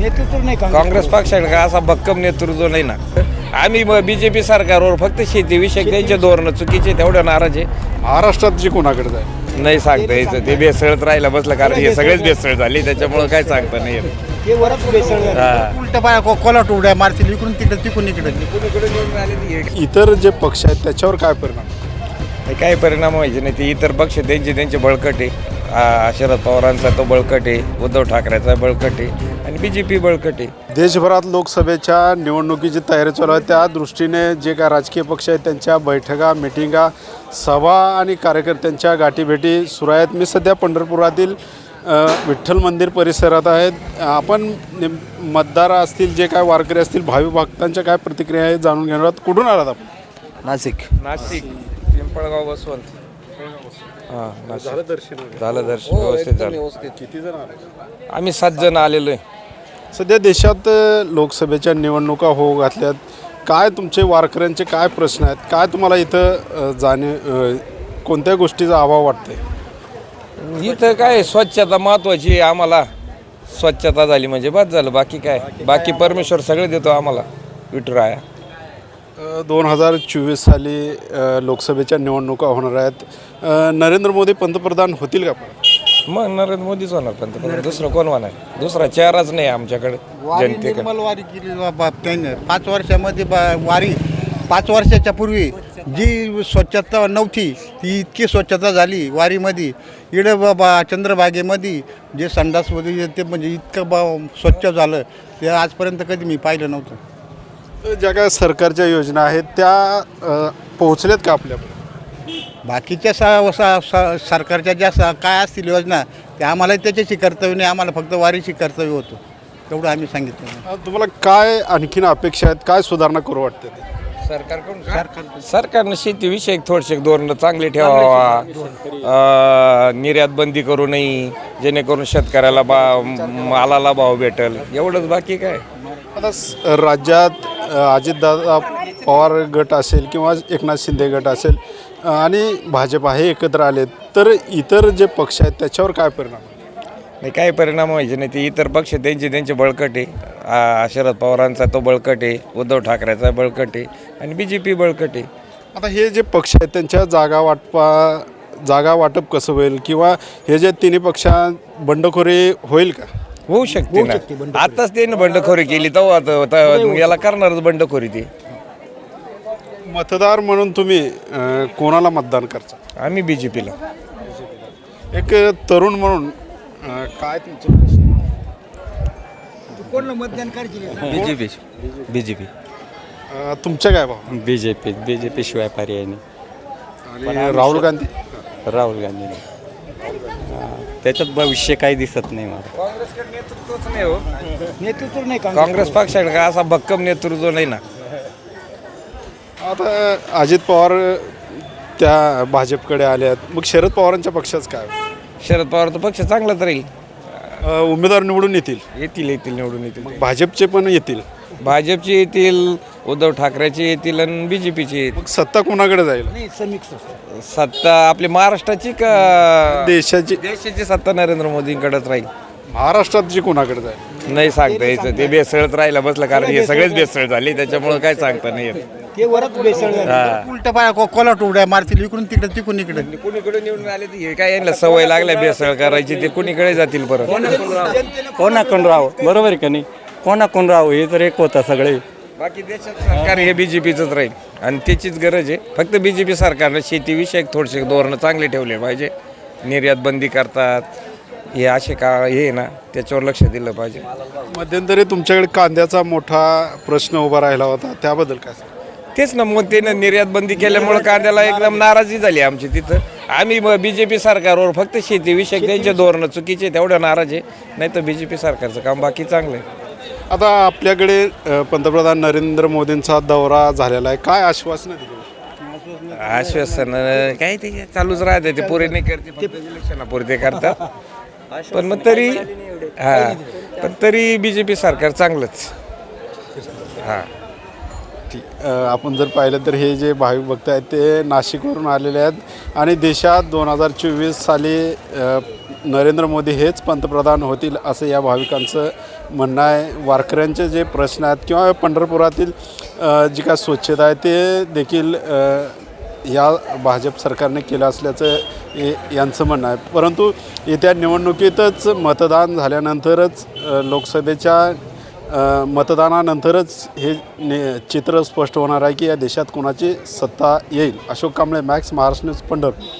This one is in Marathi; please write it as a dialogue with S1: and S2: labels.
S1: नेतृत्व नाही
S2: काँग्रेस पक्षाकडे का असा भक्कम नेतृत्व नाही ना. आम्ही बीजेपी सरकारवर फक्त शेतीविषयक त्यांचे धोरण चुकीचे तेवढं नाराज आहे.
S3: महाराष्ट्रात जे कोणाकडे जाईल
S2: नाही सांगता यायचं, ते बेसळत राहिला बसलं कारण हे सगळेच बेसळ झाली त्याच्यामुळे काय सांगता नाही येत.
S1: ते वरच बेसळ
S2: हा.
S4: उलट पाया कोलाट उड्या मारतील इकडून तिकडे तिकडून इकडे.
S3: इतर जे पक्ष आहेत त्याच्यावर काय परिणाम?
S2: काही परिणाम व्हायचे नाही. ते इतर पक्ष त्यांचे बळकट आहे. शरद पवारांचा तो बळकट आहे, उद्धव ठाकरेचा बळकट आहे आणि बीजेपी बळकट आहे.
S3: देशभरात लोकसभेच्या निवडणुकीची तयारी चालू आहे. त्या दृष्टीने जे काय राजकीय पक्ष आहेत त्यांच्या बैठका, मिटिंगा, सभा आणि कार्यकर्त्यांच्या गाठीभेटी सुरू आहेत. मी सध्या पंढरपुरातील विठ्ठल मंदिर परिसरात आहेत. आपण मतदार असतील, जे काय वारकरी असतील, भावी भक्तांच्या काय प्रतिक्रिया आहेत जाणून घेणार आहोत. कुठून आलात आपण?
S1: नाशिक
S2: पिंपळगाव बसवंत. हां,
S3: झालं दर्शन?
S2: झालं दर्शन व्यवस्थित झालं.
S3: किती जण आले?
S2: आम्ही 7 जण आलेलो आहे.
S3: सध्या देशात लोकसभेच्या निवडणुका होऊ घातल्यात. काय तुमचे वारकऱ्यांचे काय प्रश्न आहेत? काय तुम्हाला इथं कोणत्या गोष्टीचा अभाव वाटतंय?
S2: इथं काय स्वच्छता महत्त्वाची आहे. आम्हाला स्वच्छता झाली म्हणजे बस झालं. बाकी काय, बाकी परमेश्वर सगळे देतो आम्हाला विठुराया.
S3: 2024 साली लोकसभेच्या निवडणुका होणार आहेत. नरेंद्र मोदी पंतप्रधान होतील का?
S2: मग नरेंद्र मोदीच होणार पंतप्रधान. दुसरं कोण होणार? दुसरा चेहराच नाही आमच्याकडे जनतेकडे.
S4: निर्मल वारी केली त्याने 5 वर्षामध्ये वारी. 5 वर्षाच्या पूर्वी जी स्वच्छता नव्हती ती इतकी स्वच्छता झाली वारीमध्ये. इकडे बाबा चंद्रभागेमध्ये जे संडास वगैरे ते म्हणजे इतकं स्वच्छ झालं ते आजपर्यंत कधी मी पाहिलं नव्हतं.
S3: ज्या काय सरकारच्या योजना आहेत त्या पोहोचल्यात का आपल्याकडे?
S4: बाकीच्या सरकारच्या ज्या काय असतील योजना त्या आम्हाला त्याच्याशी कर्तव्य नाही. आम्हाला फक्त वारीशी कर्तव्य होतं तेवढं आम्ही सांगितलं.
S3: तुम्हाला काय आणखीन अपेक्षा आहेत? काय सुधारणा करू वाटते ते?
S2: सरकारनं शेतीविषयक थोडसे धोरणं चांगले ठेवावा. निर्यात बंदी करू नये जेणेकरून शेतकऱ्याला मालाला भाव भेटेल, एवढंच. बाकी काय
S3: आता राज्यात अजितदादा पवार गट असेल किंवा एकनाथ शिंदे गट असेल आणि भाजप हे एकत्र आले तर इतर जे पक्ष आहेत त्याच्यावर काय परिणाम?
S2: नाही, काही परिणाम व्हायचे नाही. ते इतर पक्ष त्यांचे बळकट आहे. शरद पवारांचा तो बळकट आहे, उद्धव ठाकरेचा बळकट आहे आणि बीजेपी बळकट आहे.
S3: आता हे जे पक्ष आहेत त्यांच्या जागा वाटप कसं होईल किंवा हे जे तिन्ही पक्षात बंडखोरी होईल का?
S2: होऊ शकते ना. आताच त्याने बंडखोरी केली तेव्हा याला करणारच बंडखोरी. ते
S3: मतदार म्हणून तुम्ही कोणाला मतदान करता?
S2: आम्ही बीजेपीला.
S3: एक तरुण म्हणून काय तुमचं प्रश्न?
S1: कोणला मतदान करायची?
S5: बीजेपी
S3: तुमच्या काय भाव?
S5: बीजेपी शिवाय पर्याय नाही.
S3: आणि राहुल गांधी?
S5: राहुल गांधी त्याच्यात भविष्य काही दिसत नाही मला.
S2: काँग्रेसकडे नेतृत्वच नाही हो.
S1: नेतृत्व नाही
S2: काँग्रेस पक्षाकडे का असा भक्कम नेतृत्व नाही ना.
S3: आता अजित पवार त्या भाजपकडे आले आहेत, मग शरद पवारांच्या पक्षाचं काय?
S2: शरद पवारचा पक्ष चांगलाच राहील.
S3: उमेदवार निवडून येतील
S2: निवडून येतील.
S3: भाजपचे पण येतील,
S2: भाजपचे येतील, उद्धव ठाकरेचे येतील आणि बीजेपीचे येतील.
S3: मग सत्ता कोणाकडे जाईल?
S1: नाही समिक्स.
S2: सत्ता आपली महाराष्ट्राची का
S3: देशाची
S2: सत्ता नरेंद्र मोदींकडेच राहील.
S3: महाराष्ट्रात जी कोणाकडे जाईल?
S2: नाही सांगता यायचं, ते बेसळत राहिला बसलं कारण हे सगळेच बेसळ झाली त्याच्यामुळे काय सांगता नाही येत.
S1: ते वरच बेसळ
S4: उलट पाया कोलाट उड्या मारतील इकडून तिकडे तिकडून इकडे.
S2: कुणीकडे निवडून आले ते काय यांना सवय लागल्या बेसळ करायची, ते कुणीकडे जातील परत.
S5: कोणाकडून राहावं? बरोबर आहे का नाही? कोणाकडून राहावं हे तर एक होतं सगळे.
S2: बाकी देशात सरकार हे बीजेपीचंच राहील आणि त्याचीच गरज आहे. फक्त बीजेपी सरकारनं शेतीविषयक थोडेसे धोरणं चांगले ठेवले पाहिजे. निर्यात बंदी करतात हे असे हे ना, त्याच्यावर लक्ष दिलं पाहिजे.
S3: मध्यंतरी तुमच्याकडे कांद्याचा मोठा प्रश्न उभा राहिला होता, त्याबद्दल काय?
S2: तेच ना, मग त्यानं निर्यात बंदी केल्यामुळे कांद्याला एकदम नाराजी झाली आमची तिथं. आम्ही बीजेपी सरकारवर फक्त शेतीविषयक त्यांचे धोरणं चुकीचे तेवढं नाराज आहे. नाही तर बीजेपी सरकारचं काम बाकी चांगलं आहे.
S3: आता आपल्याकडे पंतप्रधान नरेंद्र मोदींचा दौरा झालेला आहे, काय आश्वासन दिलं?
S2: आश्वासन काय ते चालूच राहते, ते पुरे नाही करते, इलेक्शनापुरे करतात. पण मग तरी पण तरी बीजेपी सरकार चांगलंच.
S3: आपण जर पाहिलं तर हे जे भाविक भक्त आहेत ते नाशिकवरून आलेले आहेत आणि देशात 2024 साली नरेंद्र मोदी हेच पंतप्रधान होतील असं या भाविकांचं म्हणणं आहे. वारकऱ्यांचे जे प्रश्न आहेत किंवा पंढरपुरातील जी काय स्वच्छता आहे ते देखील या भाजप सरकारने केलं असल्याचं यांचं म्हणणं आहे. परंतु येत्या निवडणुकीतच मतदान झाल्यानंतरच लोकसभेच्या मतदानानंतरच हे चित्र स्पष्ट होणार आहे की या देशात कोणाची सत्ता येईल. Ashok Kamble, Max, Maharashtra news, Pandharpur.